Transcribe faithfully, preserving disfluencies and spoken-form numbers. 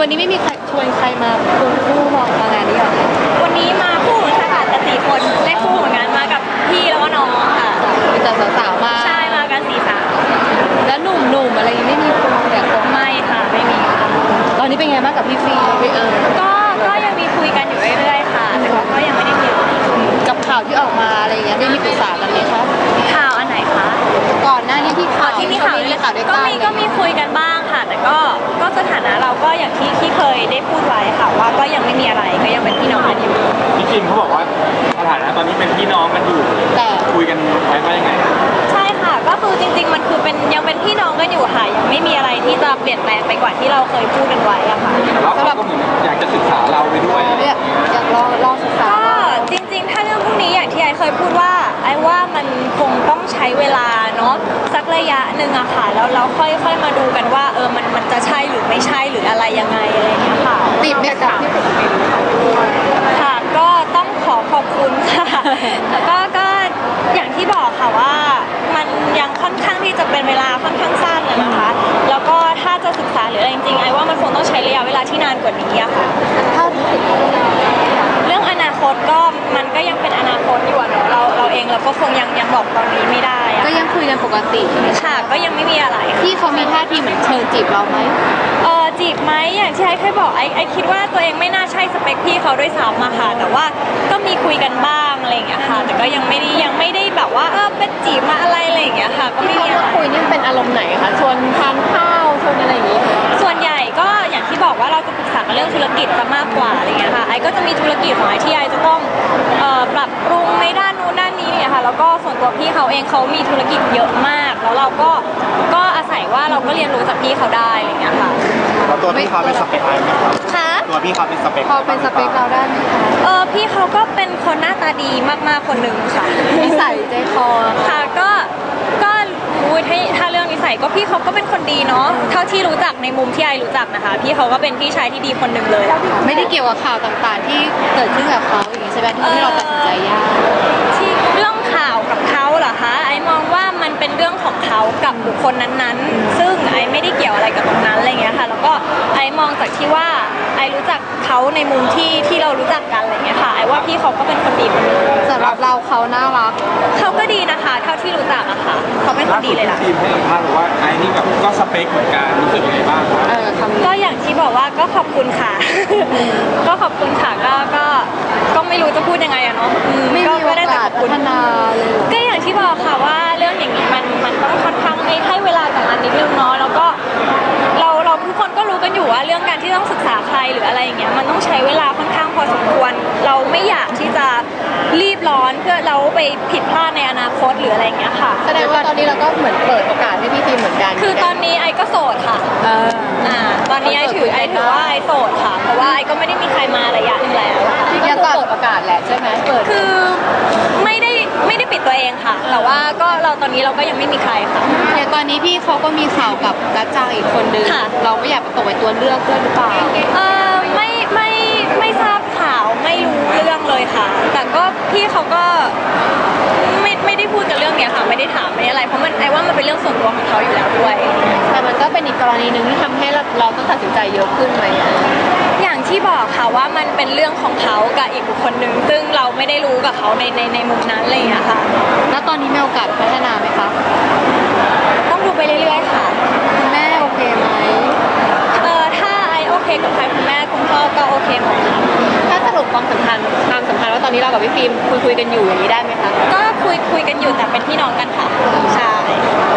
วันนี้ไม่มีใครชวนใครมาควงคู่มองมางานนี้หรอคะวันนี้มาคู่ค่ะแต่สี่คนได้คู่เหมือนกันมากับพี่แล้วก็น้องค่ะมีแต่สาวๆมาใช่มากันสี่สาวแล้วหนุ่มๆอะไรยังไม่มีควงแต่ควงไม่ค่ะไม่มีค่ะตอนนี้เป็นไงบ้างกับพี่ฟีพี่เอิญก็ก็ยังมีคุยกันอยู่เรื่อยๆค่ะแต่ก็ยังไม่ได้มีกับข่าวที่ออกมาอะไรอย่างเงี้ยได้มีปรึกษากันไหมคะข่าวอันไหนคะก่อนหน้านี้ที่ข่าวที่มีข่าวด้วยกันก็มีก็มีคุยกันบ้างค่ะแต่ก็ก็สถานะเราก็อย่างที่ที่เคยได้พูดไว้ค่ะว่าก็ยังไม่มีอะไรก็ยังเป็นพี่น้องกันอยู่พี่คิมเขาบอกว่าสถานะตอนนี้เป็นพี่น้องกันอยู่แต่คุยกันไว้ว่ายังไงใช่ค่ะก็คือจริงๆมันคือเป็นยังเป็นพี่น้องกันอยู่ค่ะยังไม่มีอะไรที่จะเปลี่ยนแปลงไปกว่าที่เราเคยพูดกันไว้อะค่ะแต่ว่าเขาก็เหมือนอยากจะศึกษาเราไปด้วยอยากลองลองศึกษาก็จริงๆถ้าเรื่องพวกนี้อย่างที่ไอเคยพูดว่าไอว่ามันคงต้องใช้เวลาเนาะสักระยะหนึ่งอะค่ะแล้วเราค่อยๆมาดูกันว่าเออมันมันจะใช่หรือไม่ใช่หรืออะไรยังไงอะไรอย่างเงี้ยค่ะติดไหมคะค่ะก็ต้องขอขอบคุณค่ะแล้วก็ก็อย่างที่บอกค่ะว่ามันยังค่อนข้างที่จะเป็นเวลาค่อนข้างสั้นนะคะแล้วก็ถ้าจะศึกษาหรืออะไรจริงๆไอ้ว่ามันคงต้องใช้ระยะเวลาที่นานกว่านี้อะค่ะถ้าติดเรื่องอนาคตก็มันก็ยังเป็นอนาคตอยู่เนาะเราเราเองเราก็คงยังยังบอกตอนนี้ไม่ได้อะก็ยังคุยกันปกติค่ะก็ยังไม่มีอะไรที่เขามีท่าทีเหมือนเชิญจีบเราไหมเออจีบไหมอย่างที่ไอ้เคยบอกไอ้ไอ้คิดว่าตัวเองไม่น่าใช่สเปคพี่เขาด้วยซ้ำอะค่ะแต่ว่าก็มีคุยกันบ้างอะไรอย่างเงี้ยค่ะแต่ก็ยังไม่ได้ยังไม่ได้แบบว่าเออเป็นจีบมาอะไรอะไรอย่างเงี้ยค่ะก็ไม่มีอะไรคุยนี่เป็นอารมณ์ไหนคะชวนทานข้าวชวนอะไรอย่างงี้ส่วนใหญ่ก็อย่างที่บอกว่าเราจะปรึกษากันเรื่องธุรกิจจะมากกว่าอะไรเงี้ยค่ะไอ้ก็จะมีธุรกิจของไอ้ที่ไอ้จะต้องเอ่อปรับปรุงในด้านนู้นด้านนี้เนี่ยค่ะแล้วก็ส่วนตัวพี่เขาเองเขามีธุรกิจเยอะมากแล้วเราก็ก็อาศัยว่าเราก็เรียนรู้จากพี่เขาได้อะไรเงี้ยค่ะแล้วตัวพี่เขาเป็นสเปคอะไรไหมครับคะตัวพี่เขาเป็นสเปคพอเป็นสเปคเราได้ไหมคะเออพี่เขาก็เป็นคนหน้าตาดีมากๆคนหนึ่งค่ะนิสัยใจคอค่ะก็ก็อุ้ยถ้าถ้าเรื่องนิสัยก็พี่เขาก็เป็นคนดีเนาะเท่าที่รู้จักในมุมที่ไอรู้จักนะคะพี่เขาก็เป็นพี่ชายที่ดีคนหนึ่งเลยไม่ได้เกี่ยวกับข่าวต่างๆที่เกิดขึ้นกับเขาอย่างนี้ใช่ไหมที่เราตัดสินใจยากที่เรื่องข่าวกับเขาเหรอคะไอมองว่ามันเป็นเรื่องของเขากับบุคคลนั้นๆซึ่งไอไม่ได้เกี่ยวอะไรกับตรงนั้นอะไรเงี้ยค่ะแล้วก็ไอมองจากที่ว่าไอรู้จักเขาในมุมที่ที่เรารู้จักกันอะไรเงี้ยค่ะไอว่าพี่เขาก็เป็นคนดีคนนึงสำหรับเราเขาน่ารักเขาก็ดีนะคะเท่าที่รู้จักอะค่ะเขาเป็นคนดีเลยล่ะทีมให้สัมภาษณ์บอกว่าไอ้นี่แบบก็สเปคเหมือนกันรู้สึกยังไงบ้างคะก็อย่างที่บอกว่าก็ขอบคุณค่ะก็ขอบคุณค่ะก็ก็ก็ไม่รู้จะพูดยังไงอะเนาะไม่มีโอกาสพัฒนาเลยก็อย่างที่บอกค่ะว่าเรื่องอย่างนี้มันมันต้องค่อนข้างให้เวลากับมันนิดนึงเนาะแล้วก็เราเราทุกคนก็รู้กันอยู่ว่าเรื่องการที่ต้องศึกษาใครหรืออะไรอย่างเงี้ยมันต้องใช้เวลาค่อนข้างพอสมควรเราไม่อยากที่จะรีบร้อนเพื่อเราไปผิดพลาดในอนาคตหรืออะไรอย่างเงี้ยค่ะแสดงว่าตอนนี้เราก็เหมือนเปิดโอกาสให้พี่ทีมเหมือนกันคือตอนนี้ไอ้ก็โสดค่ะอ่าตอนนี้ไอ้ถือไอ้ถือว่าไอ้โสดค่ะเพราะว่าไอ้ก็ไม่ได้มีใครมาระยะนึงแล้วยังเปิดโอกาสแหละใช่ไหมเปิดคือไม่ได้ไม่ได้ปิดตัวเองค่ะแต่ว่าก็เราตอนนี้เราก็ยังไม่มีใครค่ะอย่างตอนนี้พี่เขาก็มีข่าวกับกัจจางอีกคนนึงเราไม่อยากตกเป็นตัวเลือกด้วยหรือเปล่าเออไม่ไม่ไม่ทราบข่าวไม่รู้เรื่องเลยค่ะแต่ก็พี่เขาก็ไม่ไม่ได้พูดกันเรื่องเนี้ยค่ะไม่ได้ถามไม่ได้อะไรเพราะมันไอ้ว่ามันเป็นเรื่องส่วนตัวของเขาอยู่แล้วด้วยแต่มันก็เป็นอีกกรณีหนึ่งที่ทำให้เราเราต้องตัดสินใจเยอะขึ้นไหมอย่างที่บอกค่ะว่ามันเป็นเรื่องของเขากับอีกบุคคลหนึ่งซึ่งเราไม่ได้รู้กับเขาในในในมุมนั้นเลยอะค่ะแล้วตอนนี้มีโอกาสพัฒนาไหมคะต้องดูไปเรื่อยๆค่ะคุณแม่โอเคไหมเออถ้าไอโอเคกับใครคุณแม่คุณพ่อก็โอเคหมดถ้าสรุปความสัมพันธ์ความสัมพันธ์ว่าตอนนี้เรากับพี่ฟิล์มคุยคุยกันอยู่อย่างนี้ได้ไหมคะก็คุยคุยกันอยู่แต่เป็นพี่น้องกันค่ะ